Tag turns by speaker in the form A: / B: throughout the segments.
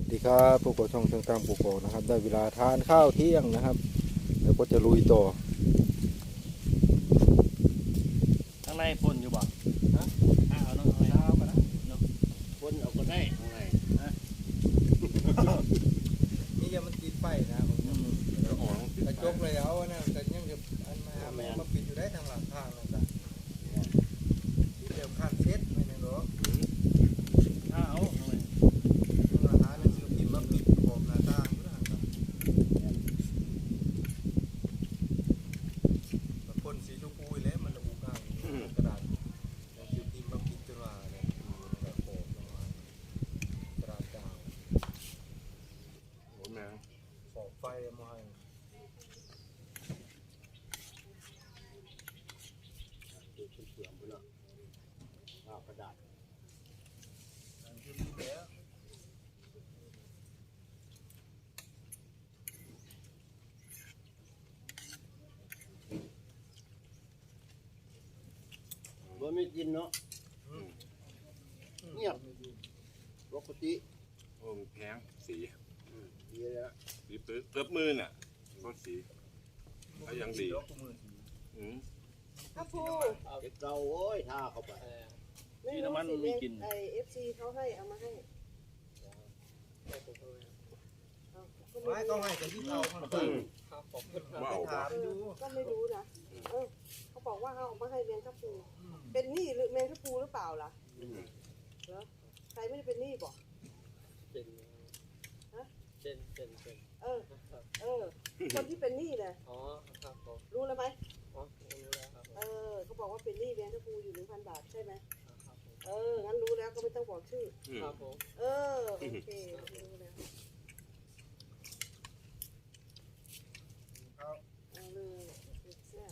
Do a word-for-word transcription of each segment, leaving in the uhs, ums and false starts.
A: สวัสดีครับพวกเราช่องเชิงตามปลูกกอกนะครับได้เวลาทานข้าวเที่ยงนะครับแล้วก็จะลุยต่อ
B: ข้างในพ่นอยู่บ่ฮะข้าวเนาะข้างในข้าวมานะเนาะพ่นเอาก็ได้ข้างในฮะ
A: นี่ยังมันติดไฟนะผมกระจกเลยเอานะแต่ยังจะอันมามาปิดอยู่ได้ทางหลังทางนะจ๊ะที่เดียวข้างเซ็ตไม่เนี่ยหรอ
B: ข้าวข้างใน
A: อาหารนั่นคือกินมาปิดขอบหน้าต่างด้วยนะครับพ่นสีชมพูแล้วมันระอุก้างกระดาษแล้วคือกินมาปิดจนว่าเนี่ยแบบขอบลงมากระดาษกาวผมนะขอบไฟมาให้
B: ดูเสื่อมไปแล้วข้าวกระดาษบ่ไม่กินเนาะเงียบปกติ
C: โอ้แพงสี
B: ดีแล้ว
C: สีเปิดเกือบมือน่ะก็สีก็ยังดีอืม
D: ข้าวผู
B: เก็บเก่าโอ้ยท่าเข้าไป
D: ไม่รู้สิไม่กินไอเอฟซีเขาให้เอามาให้
A: ไม่ต้องให้กันที่เราถามดู
D: ก็ไม่รู้นะเออเขาบอกว่าเอามาให้แมงทับปูเป็นหนี้หรือแมงทับปูหรือเปล่าล่ะเหรอใครไม่ได้เป็นหนี้บอก
B: เป็นฮะเป็นเป็นเป็น
D: เออเออคนที่เป็นหนี้เลย
B: อ๋อครับผม
D: รู้แล้วไหม
B: อ๋อรู้แล้วครับ
D: เออเขาบอกว่าเป็นหนี้แมงทับปูอยู่หนึ่งพันบาทใช่ไหมเอองั้นรู้แล้วก็ไม่ต้องบอกชื่อ
B: ครับผม
D: เออโอเครู้แล้วเอาเลยแซ่บ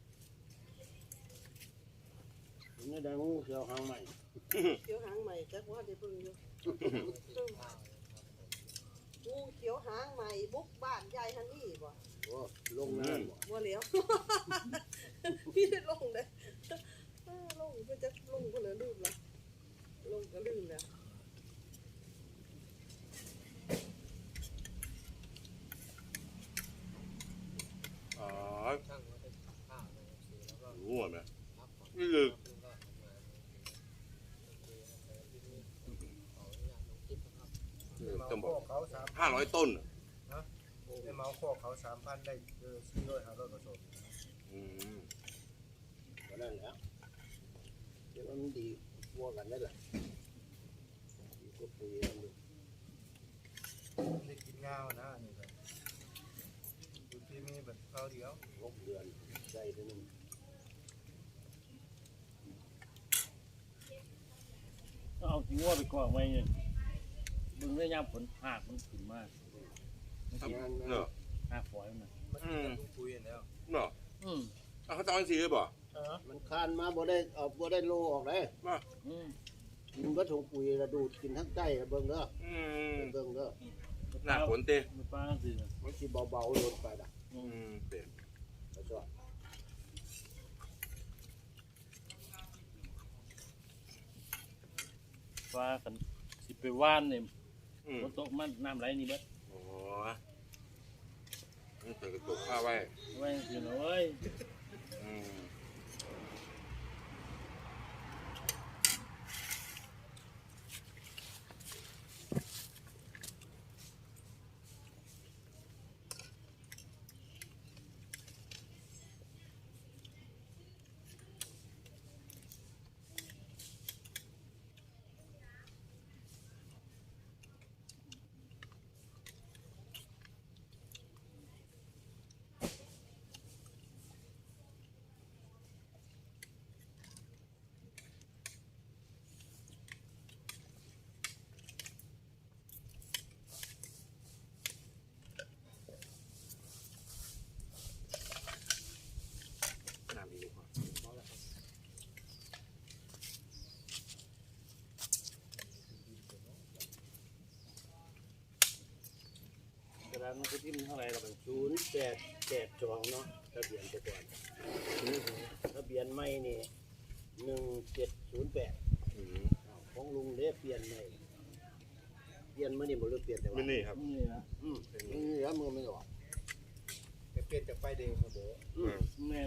B: นี่ได้งูเขียวหางใหม่
D: เขียวหางใหม่แต่ว่าได้เพิ่งอยู่งูเขียวหางใหม่บุกบ้านยายฮันนี่บ่
B: โอ้ลงน้
D: ำบ่เหลียวพี่ได้ลงเลยลงก็จะลงก็เลยลืมละลงก็ลืมแล้ว
C: อ๋อรู้ไหมนี่คือต้องบอกห้าร้อยต้น
A: นะได้เมาข้อเขาสามพันได้เออสี่ร้อยห้าร้อยกระสอบ
C: อืม
B: ก็นั่นแหละเดี๋ยวมันดีวัวกันได้แหละดีกว่าปุ๋ยนั่นดู
A: ได้กินงาวนะนี่ครับดูที่มีแบบเขาเดียว
B: หกเดือนใจตัวนึงเอาทิ้งวัวไปก่อนไว้เนี่ยมึงได้ยามผลหักมันขึ้นมาก
C: เนาะ
B: หักฝอยมัน
A: มันจะคุยแล้ว
C: เนาะ
B: อืม
C: เขาจะเอาสีหรือเปล่า
B: มันคานมาบ่ได้ออกบ่ได้โลออกเลย
C: มา
B: มันก็ถุงปุ๋ยระดูดกินทั้งใกล้เบิ่งเด้อเบิ่งเด้อ
C: หน้าฝนเต้
B: มันป้าสิมันสิเบาๆลงไปด่ะ
C: อืมเต้
B: แล้วก็ว่ากันสิไปว่านเนี่ยฝนตกมันน้ำไหลนี่เบิด
C: โอ้นี่เปิดกระจกผ้าไว้
B: ไว้อยู่หน่อย
C: อืม
B: มันคือที่มันเท่าไรเราเป็นศูนย์แปดแปดสองเนาะทะเบียนไปก่อนทะเบียนไม่นี่หนึ่งเจ็ดศูนย์แปดของลุงเด้เปลี่ยนใหม่เปลี่ยนมื้อนี้บ่รู้เปลี่ยนแต่ว่า
C: ไม่นี่ครับ
E: นี่นะ
B: อืมนี่แล้วมือไม่ออก
A: แต่เปลี่ยนจากป้ายแดงมาเด้อ
B: อืม
E: แมน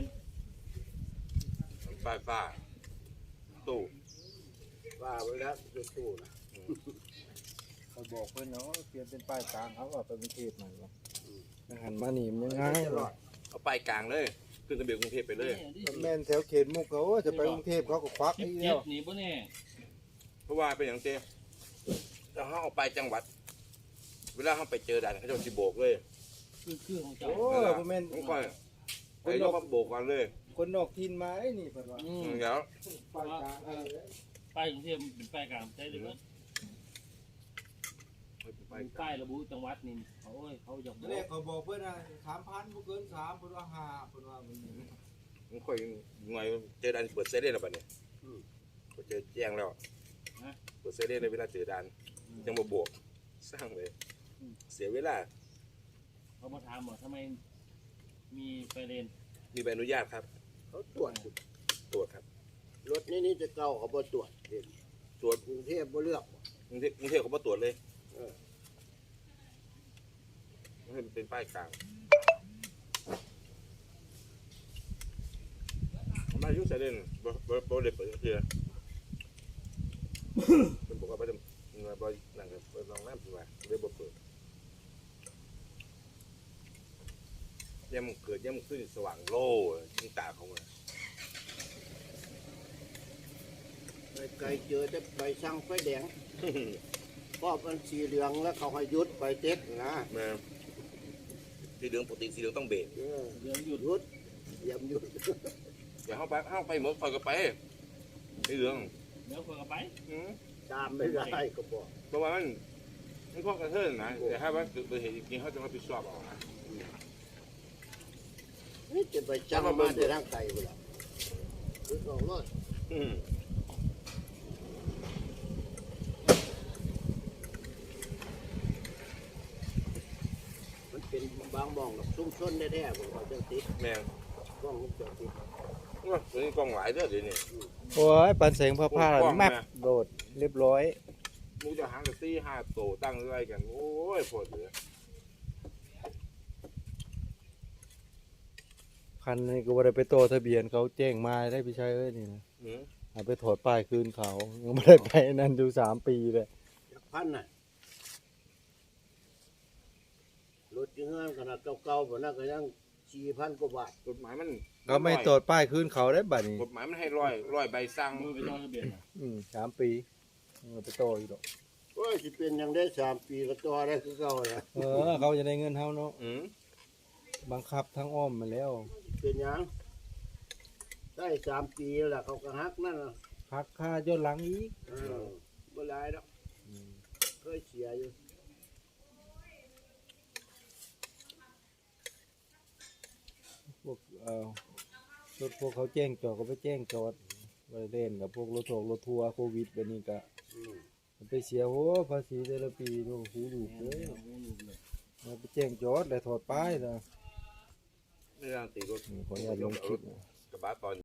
C: ป้ายฟ้าตู้
B: ว่าไว้แล้วตู้ๆนะ
A: เขาบอกเพิ่นเนาะเปลี่ยนเป็นป้ายกลางเขาว่าไปกรุงเทพมันว่าหันมานี่มันยังไง
B: จะรอด
C: เอาป้ายกลางเลยขึ้นทะเบียนกรุงเทพไปเลย
A: แม่นแถวเขตมุกเขาจะไปกรุงเทพเขาก็ควัก
E: เจ็
A: อี
E: บ
A: ก
E: เจ็
A: แล้
E: บ
A: ว
E: หนีป่ะเนี่ย
C: เพราะว่าเป็นอย่างเต้ถ้าเขาเอาไปจังหวัด เวลาเขาไปเจอด่านเขาจะสิโบกเลย
E: คือคือของเจ้า
A: โอ้บ่แม่น
C: ผมก็ไอ้เราก็โบกกันเลย
A: คนนอกถิ่นมาไอ้นี่เพิ่นว่า
E: อืม
C: เดี๋ยว
A: ป้ายกลางเออ
E: ป้ายกรุงเทพเป็นป้ายกลางใช่หรือเปล่าป้ายระบุจังหวัดนี่เขาเอ้ยเขาอยากบ
A: ต
E: อ
A: อนแรก
E: ก
A: เขาบอกเพิ่นน่ะสามพันบ่เกินสามเพิ่นว่าห้าเพิ่นว่ามัน
C: ผมค่อยหน่วยเจอด่านเปิดเซเว่นแล้วบัดนี้ก็เจอแจ้งแล้วเปิดเซเว่นเลยเวลาเจอด่านยังมาโบกสร้างเลย เสียเวลา
E: เขามาถามว่าทำไมมีไฟเลน
C: มีใบอนุญาตครับ
B: เขาตรวจอยู่
C: ตรวจครับ
B: รถนี่นี่จะเก่าเขาบ่ตรวจเห็น
C: ตรวจ
B: กรุงเทพบ่เลือก
C: กรุงเทพกรุงเทพเขาบ่ตรวจเลย
B: เออ
C: ให้มันเป็นป้ายกลางมายุ่งเซเว่นบ่บ่บ่ได้เปิดเทื่อเป็นบอกว่าบ่ได้บ่นั่งกับลองน้ำสิว่าเลยบ่เปิดย่ำเกิดย่ำขึ้นสว่างโล่ยิ่งตาเขาเลย
B: ไปไกลเจอแต่ใบสั่งไฟแดงพอมันสีเหลืองแล้วเขาให้หยุดไปเต็กนะ
C: แม่สีเหลืองปกติสีเหลืองต้องเบรก
B: เออ
E: เรื่องหยุด
B: หยุดเยี่ยมหยุด
C: อย่าเข้าไปเข้าไปหมดคอยก็ไปสีเหลือง
E: เดี๋ยวคนก็ไป
C: อืม
B: ตามไม่ได้ก็บอก
C: เพราะว่ามันมันข้อกระเทือนนะแต่ถ้าว่าเกิดอุบัติเหตุจริงๆเขาจะรับผิดชอบเอานะ
B: นี่จะไปจังมาในร่างกายเวลาคือสองรถ
C: อืม
B: มันเป็นบางมองกับซุ้มชนแท้ๆผมว่าจังติด
C: แม่ง
B: กล้องวงจรปิด
C: ว่าตัวนี้กล้องหลายเด้อเดี๋ยวนี้
A: โอ้ยปันแสงผ้าๆแมปโดดเรียบร้อย
C: มูจะหางกับซี่ห้าโตตั้งไว้กัน โอ้ยปวดเหลือ
A: คันนี้ก็บ่ได้ไปโตทะเบียนเขาแจ้งมาได้พี่ชายเอ้ยนี่นะ
C: อืม
A: เอาไปถอดป้ายคืนเขายังไม่ได้ไปนั่นอยู่สามปีเลย
B: จักพันน่ะรถยังเงินขนาดเก่าๆแบบนั้นก็ยังสี่พันกว่าบาท
C: กฎหมายมัน
A: เขาไม่ตรวจป้ายคืนเขาได้บัดนี้
C: กฎหมายมันให้ร้อยร้อยใบสั่ง
E: มือไปต่อทะเบียนนะ
A: อืมสามปีเอาไปโตอีกดอก
B: โอ้ยสิเป็นยังได้สามปีก็ต่อได้คือเก่าแล้ว
A: เออเขาจะได้เงินเท่าเนาะ
C: อืม
A: บังคับทั้งอ้อมมาแล้ว
B: เป็นหยังได้สามปีแล้วเขาก็ฮักนั่นน่ะ
A: พักค่าย้อนหลังอีก
B: เออบ่หลายดอก
A: อืม
B: เคยเสียอยู่
A: พวกเอ่อรถพวกเขาแจ้งจอดก็ไปแจ้งจอดไปเล่นกับพวกรถทัวร์รถทัวร์โควิดแบบนี้ก็
B: อืม
A: ไปเสียโอ้ภาษีแต่ละปีโอ้โหดูกเลย
E: เอาหูลูกเลย
A: มาไปแจ้งจอดแล้วถอดป้ายนะ
C: เรื่องตีรถ
A: นี่ขออนุญาตลงคลิปนะ
C: กระบะตอน